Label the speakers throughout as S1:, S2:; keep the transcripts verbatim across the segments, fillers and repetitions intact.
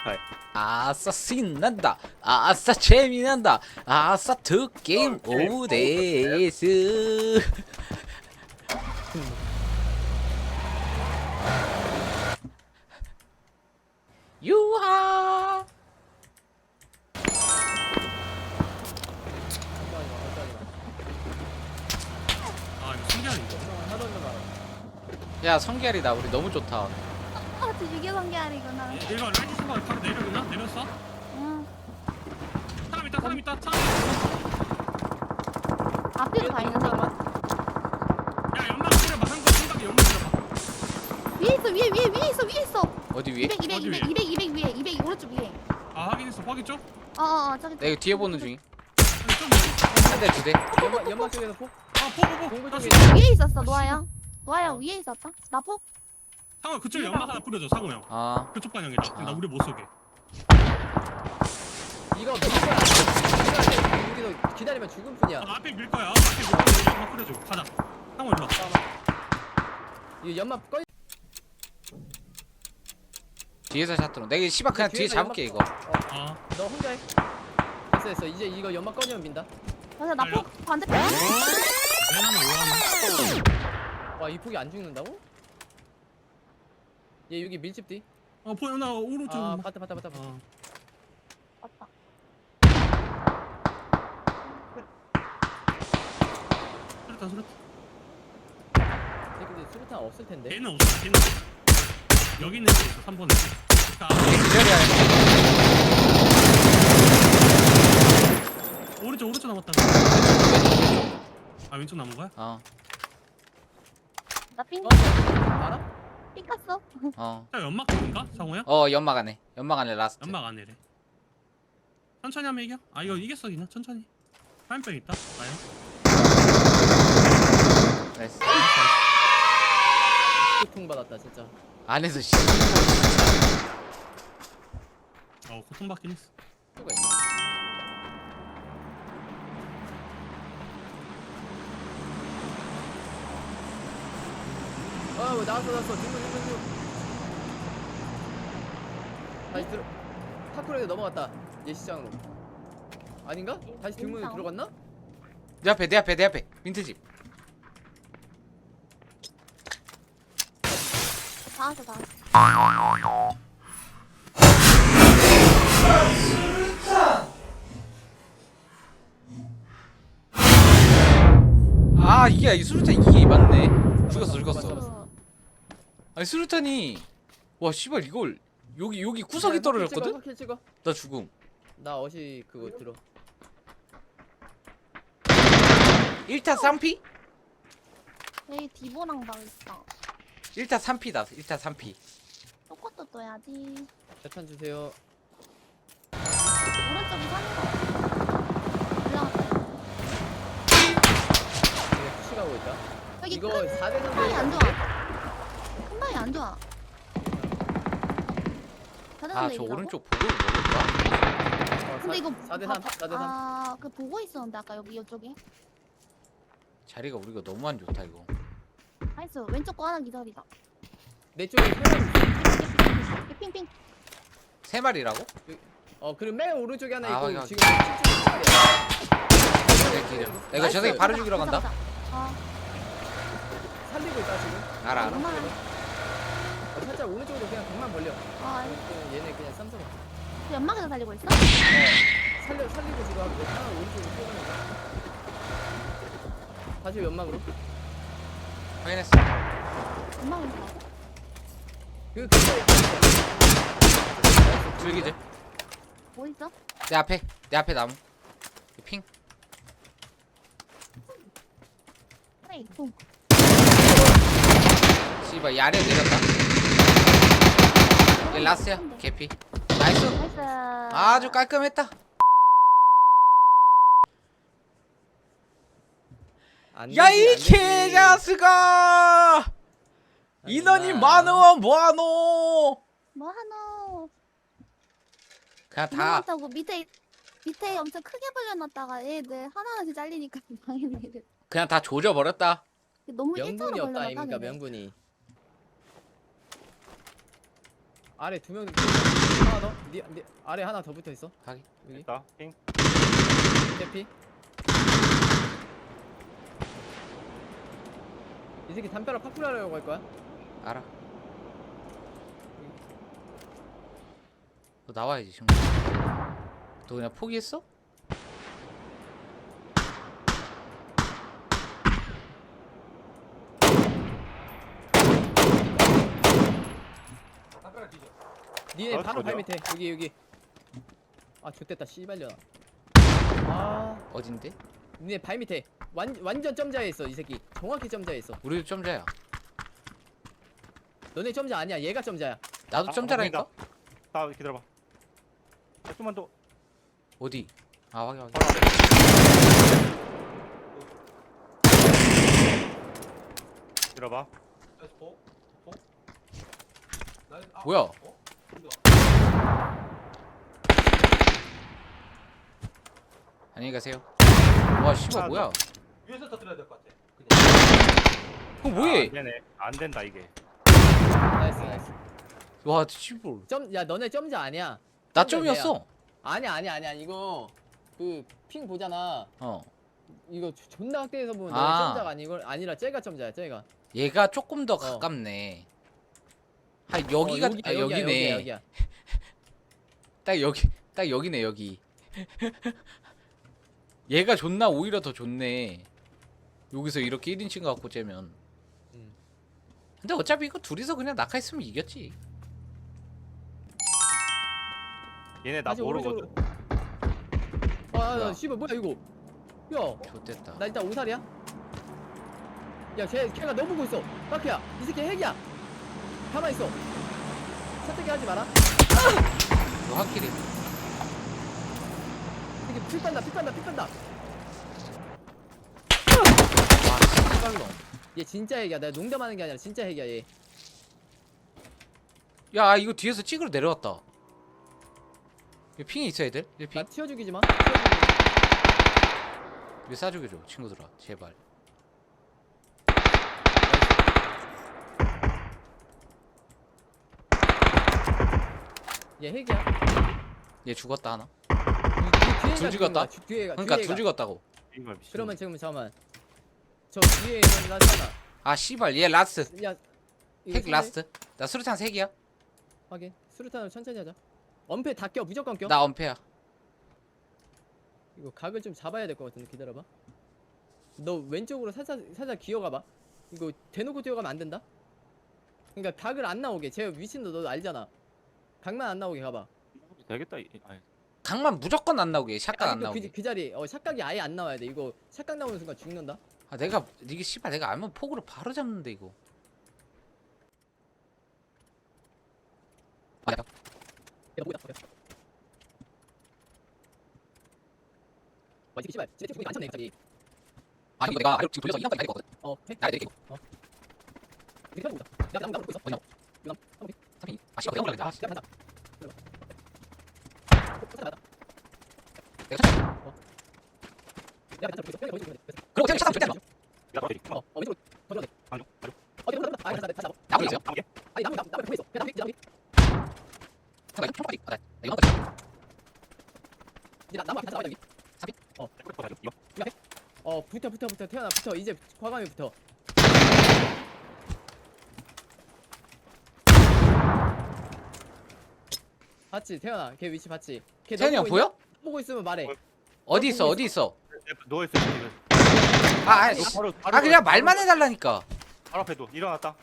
S1: はい。
S2: 아싸 신난다. 아싸 재미난다. 아싸 두 게임 오브 데이스. 유하.
S1: 아 이거 신기하네 이거.
S2: 야 성결이다. 우리 너무 좋다.
S3: 아, 저 유교 관계알이구나.
S1: 얘가 라이트 신발 바로 내려오나? 내렸어?
S3: 응.
S1: 사람 있다 사람 있다 사람 있다.
S3: 앞에도 다 있는데.
S1: 야 연막 뿌려봐 한거 생각에 연막 뿌려봐.
S3: 위에 있어, 위에, 위에, 위에 있어, 위에 있어.
S2: 어디 위에?
S3: 이백, 이백,
S1: 어디
S3: 이백,
S1: 위에?
S3: 이백, 이백 위에, 이백 오른쪽 위에.
S1: 아 확인했어 확인 쪽?
S3: 어, 어, 어, 저기.
S2: 나 이거 뒤에 보는 중임.
S1: 아니 좀
S2: 한 대 두 대.
S4: 연막 연막 쪽에서 폭.
S1: 아 포포포
S4: 동굴
S1: 다시
S4: 쪽에.
S3: 위에 있었어, 노아야. 노아야 위에 있었다. 나 폭.
S1: 상호 그쪽에 연막 하나 뿌려줘 상호 형
S2: 아
S1: 그쪽 방향이다
S2: 아.
S1: 나 우리 못 쏘게.
S4: 이거 밀 거야. 밀어야 돼. 여기서 기다리면 죽을 뿐이야.
S1: 아, 앞에 밀 거야 앞에 밀 거야 연막 뿌려줘 가자 상호 일로 와.
S4: 이거 연막 꺼.
S2: 뒤에서 샷들어. 내가 씨발 그냥 뒤에
S4: 뒤에서
S2: 잡을게 이거.
S4: 연막- 어,
S1: 아
S4: 너 혼자 해. 됐어 됐어. 이제 이거 연막 꺼지면 민다.
S3: 맞아, 나
S1: 알려.
S3: 폭 반대편.
S1: 왜냐면 오하는
S4: 와 이 폭이 안 죽는다고? 얘 여기 밀집 뒤.
S1: 어 보여 나 오른쪽
S4: 아
S1: 막-
S4: 봤다 봤다 봤다. 봤다.
S1: 어.
S3: 맞다.
S1: 수류탄 수류탄
S4: 근데 수류탄 없을 텐데.
S1: 걔는 없어 걔는 없어. 여기 있는 애 있어 삼 번에 자
S2: 기절이야.
S1: 오른쪽 오른쪽 남았다 아 왼쪽 남은 거야?
S2: 어
S3: 나 핑,
S4: 어? 알아?
S3: 핑 깠어.
S2: 어.
S1: 자 연막 쪽인가? 상호야?
S2: 어 연막 안에. 연막 안에 라스트.
S1: 연막 안에래 천천히 하면 이겨? 아 이거 이겼어 그냥 천천히 화염병 있다 과연?
S2: 나이스.
S4: 고통 받았다 진짜.
S2: 안에서 씨.
S1: 어 고통받긴 했어
S4: 수가 있어. 어 뭐, 나왔어 나왔어. 뒷문 뒷문 뒷문. 다시 들어. 파크로에 넘어갔다. 예시장으로. 아닌가? 다시 뒷문에
S3: 인상.
S4: 들어갔나?
S2: 내 앞에 내 앞에 내 앞에 민트집.
S3: 다 왔어, 다 왔어.
S2: 아 이게 이 수류탄 이게 맞네. 죽었어 죽었어.
S3: 어,
S2: 아니 수류탄이 와 씨발 이걸 여기 여기 구석이 떨어졌거든?
S4: 킬 찍어.
S2: 나 죽음.
S4: 나 어시 그거 들어.
S2: 일 타 삼 피?
S3: 여기 디보랑 막 있어.
S2: 일 타 삼 피다. 일 타 삼 피.
S3: 똑같도 떠야지.
S4: 대탄 주세요.
S3: 오른쪽이 사는 거. 올라갔다.
S4: 이거 푸시 가고 있다.
S3: 여기
S4: 이거
S3: 큰
S4: 사 대
S3: 큰 방이 안
S4: 삼
S3: 좋아. 큰 방이 안 좋아.
S2: 아
S3: 자전거
S2: 저
S3: 내리라고?
S2: 오른쪽 보고 먹을까?
S3: 근데 이거
S4: 사 대
S3: 봐-
S4: 삼.
S3: 봐-
S4: 사 대 삼.
S3: 아, 그 보고 있었는데 아까 여기 이쪽에.
S2: 자리가 우리가 너무 안 좋다 이거.
S3: 나이스. 왼쪽 거 하나 기다리다.
S4: 내 쪽에 세 명.
S3: 핑핑핑. 핑핑.
S2: 세 마리라고?
S4: 어 그리고 맨 오른쪽에 하나
S2: 아,
S4: 있고
S2: 확인, 확인.
S4: 지금 칠쪽에
S2: 내 기름. 나 이거 저 새끼 바로 죽이러 간다.
S3: 아,
S4: 살리고 있다 지금.
S2: 알아 알아.
S3: 엄마랑.
S4: 어, 살짝 오른쪽으로 그냥 강만 벌려.
S3: 아,
S4: 그럼 얘네 그냥 삼성. 어,
S3: 그 연막에서 달리고 있어?
S4: 살려 살리고 지금 하고 하나 오른쪽으로 뛰어가는 거. 다시 연막으로.
S2: 확인했어.
S3: 연막에서 가고?
S4: 그 근처에
S2: 줄기들.
S3: 뭐 있어?
S2: 내 앞에 내 앞에 나무. 핑.
S3: 그래, 통.
S2: 씨발 이 아래 내렸다. 얘 라스야. 개피. 나이스.
S3: 나이스.
S2: 아주 깔끔했다.
S4: 안
S2: 야
S4: 되지,
S2: 이
S4: 안 되지.
S2: 개자스가 인원이
S4: 아니야.
S2: 많어 뭐하노.
S3: 뭐 하노?
S2: 그냥
S3: 다
S2: 다
S3: 많다고 밑에 밑에 엄청 크게 벌려놨다가 얘들 하나하나씩 잘리니까 망했네 얘들.
S2: 그냥 다 조져버렸다.
S3: 너무
S4: 명분이
S3: 일자로
S4: 없다
S3: 벌려놨다
S4: 아닙니까
S3: 걔네.
S4: 명분이. 아래 두 명. 하나 더. 니, 니 아래 하나 더 붙어 있어.
S2: 하긴.
S4: 여기.
S5: 있다. 핑.
S4: 대피. 이 새끼 담벼락 파쿠라려고 할 거야?
S2: 알아. 너 나와야지 지금. 너 그냥 포기했어?
S4: 니네
S5: 어,
S4: 바로 발
S5: 어디야?
S4: 밑에. 여기 여기. 아 좋댔다 씨발려나. 아
S2: 어딘데?
S4: 니네 발 밑에. 완 완전 점자에 있어 이 새끼. 정확히 점자에 있어.
S2: 우리도 점자야.
S4: 너네 점자 아니야. 얘가 점자야.
S2: 나도
S5: 아,
S2: 점자라니까.
S5: 보인다. 나 기다려봐. 조금만 더.
S2: 어디? 아 확인 확인.
S5: 바로 앞에. 기다려봐.
S2: 뭐야? 안녕히 가세요. 와 씨발
S5: 아,
S2: 뭐야?
S6: 위에서 터뜨려야 될 것 같아.
S2: 그 뭐해?
S5: 안 되네. 안 된다 이게.
S4: 나이스 나이스.
S2: 와 씨발.
S4: 점, 야 너네 점자 아니야.
S2: 나
S4: 점자
S2: 점이었어.
S4: 아니야 아니야 아니야 이거 그 핑 보잖아.
S2: 어.
S4: 이거 조- 존나 확대해서 보면
S2: 아.
S4: 너네 점자가 아니고 아니라 쟤가 점자야 쟤가.
S2: 얘가 조금 더 가깝네. 아 여기가
S4: 어, 여기야,
S2: 아,
S4: 여기야,
S2: 여기네.
S4: 여기야, 여기야.
S2: 딱 여기 딱 여기네 여기. 얘가 존나 오히려 더 좋네. 여기서 이렇게 일 인칭 갖고 째면.
S4: 음.
S2: 근데 어차피 이거 둘이서 그냥 낙하했으면 이겼지.
S5: 얘네 나
S4: 다시
S5: 모르거든.
S4: 오른쪽으로. 아, 아,
S2: 뭐야?
S4: 야, 씨발 뭐야 이거? 야,
S2: 좋됐다.
S4: 나 일단 오살이야. 야, 걔 걔가 너 보고 있어. 마키야, 이 새끼 핵이야. 가만 있어. 선택이 하지 마라.
S2: 이거 확실히.
S4: 이게 피 빤다, 피 빤다, 피 빤다.
S2: 와 씨발로.
S4: 얘 진짜 핵이야. 내가 농담하는 게 아니라 진짜 핵이야 얘.
S2: 야 이거 뒤에서 찍으러 내려왔다. 이거 핑이 있어야 돼? 일 핑?
S4: 나 튀어 죽이지 마. 튀어 죽이지
S2: 이거 싸주게 줘 친구들아 제발.
S4: 마. 얘 핵이야.
S2: 얘 죽었다 하나.
S4: 이- 이 뒤에가
S2: 둘 죽었다?
S4: 죽은 거야, 주- 뒤에가.
S2: 그러니까
S4: 뒤에가.
S2: 둘 죽었다고.
S5: 이거 미친.
S4: 그러면 지금 잠깐만. 저 뒤에 있는 라잖아.
S2: 아 씨발 얘 라스트.
S4: 야, 이거
S2: 핵
S4: 선택.
S2: 라스트. 나 수류탄 세 개야.
S4: 확인. 수류탄으로 천천히 하자. 엄폐 다 껴. 무조건 껴.
S2: 나 엄폐야.
S4: 이거 각을 좀 잡아야 될 것 같은데 기다려봐. 너 왼쪽으로 살짝 살짝 기어가봐. 이거 대놓고 뛰어가면 안 된다. 그러니까 각을 안 나오게. 제 위치도 너 알잖아. 각만 안 나오게 가봐.
S5: 되겠다. 이- 아니,
S2: 강만 무조건 안 나오게. 샷각 안
S4: 아직도
S2: 나오게.
S4: 그, 그 자리 어 샷각이 아예 안 나와야 돼. 이거 샷각 나오는 순간 죽는다.
S2: 아 내가 이게 씨발 내가 알면 폭으로 바로 잡는데 이거. 아, 야.
S4: 야 뭐야? 뭐야? 와 이게 씨발. 쟤 죽이 안 쳤네 갑자기.
S2: 아 이거 내가 지금 돌려서 이만까지 날릴 거거든.
S4: 어. 해?
S2: 나 내릴게.
S4: 이렇게 하고 있다. 야 나무 나무 보고 있어.
S2: 어디냐?
S4: 나무 나무 보고
S2: 삼 이. 아 씨발 내가 올라간다. 아,
S4: 있어. 야 간다. 내가 간다.
S2: 내가 찾아.
S4: 야 간다. 보고 있어. 보고 있어.
S2: 그리고 그냥 샷각 절대 안 놔.
S5: 나 어디?
S4: 어, 어 왼쪽으로 던져야 돼.
S5: 안쪽. 안쪽.
S4: 어, 이거 던져. 아, 다시 다시 잡아.
S2: 나무 있어요?
S5: 아무게?
S4: 아니 나무 나무 나무 보고 있어. 야 나무 나무.
S2: 잠깐 이거 총까지. 아, 나 나 이거 한번
S4: 이제 나 나무 앞에 잡아 여기.
S5: 이거.
S4: 어 붙어 붙어 붙어 태어나 붙어 이제 과감히 붙어. 봤지 태어나 걔 위치 봤지. 걔
S2: 태현이 형
S4: 너 보고
S2: 보여?
S4: 있냐? 보고 있으면 말해.
S2: 어디 있어?
S4: 보고
S2: 어디 있어?
S5: 누워 있어 지금.
S2: 아, 아,
S5: 바로 바로
S2: 아 그냥 말만 해달라니까.
S5: 바로 앞에 누워. 일어났다.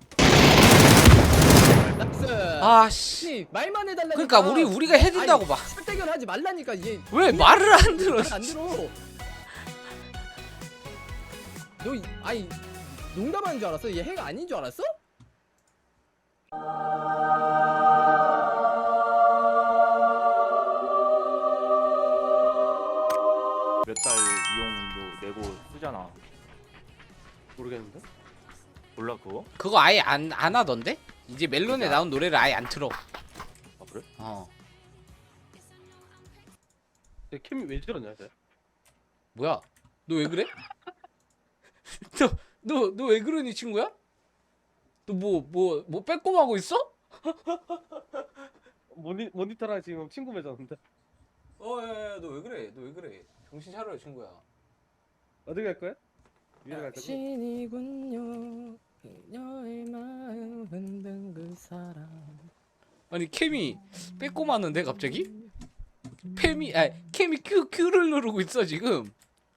S4: 락스.
S2: 아 씨.
S4: 씨 말만 해달라니까.
S2: 그러니까 우리 우리가 해준다고 막.
S4: 설대결 하지 말라니까 이게.
S2: 왜 말을 안 들어?
S4: 말을 안 들어. 너 이- 아니 농담하는 줄 알았어? 얘 해가 아닌 줄 알았어?
S5: 몇 달 이용료 내고 쓰잖아.
S6: 모르겠는데?
S5: 몰라 그거?
S2: 그거 아예 안 안 하던데? 이제 멜론에 나온 노래를 아예 안 틀어.
S5: 아 그래?
S2: 어.
S6: 내 캠이 왜 저러냐, 쟤?
S2: 뭐야? 너 왜 그래? 너 너 너 왜 그러니 친구야? 너 뭐 뭐 뭐 빼꼼하고 있어?
S6: 모니 모니터랑 지금 친구 맺었는데
S2: 어야야 너 왜 그래? 너 왜 그래? 정신 차려요 친구야.
S6: 어디 갈 거야? 위로 갈 거지?
S4: 신이군요. 그녀의 마음 흔든 그 사람.
S2: 아니 캠이 빼꼼하는데 갑자기? 팸이 아 캠이 Q Q를 누르고 있어 지금.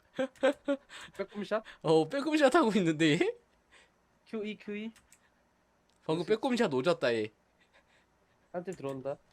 S6: 빼꼼샷?
S2: 어 빼꼼샷 하고 있는데 얘?
S6: 큐이 큐이
S2: 방금 빼꼼샷 오졌다 얘.
S6: 한팀 들어온다.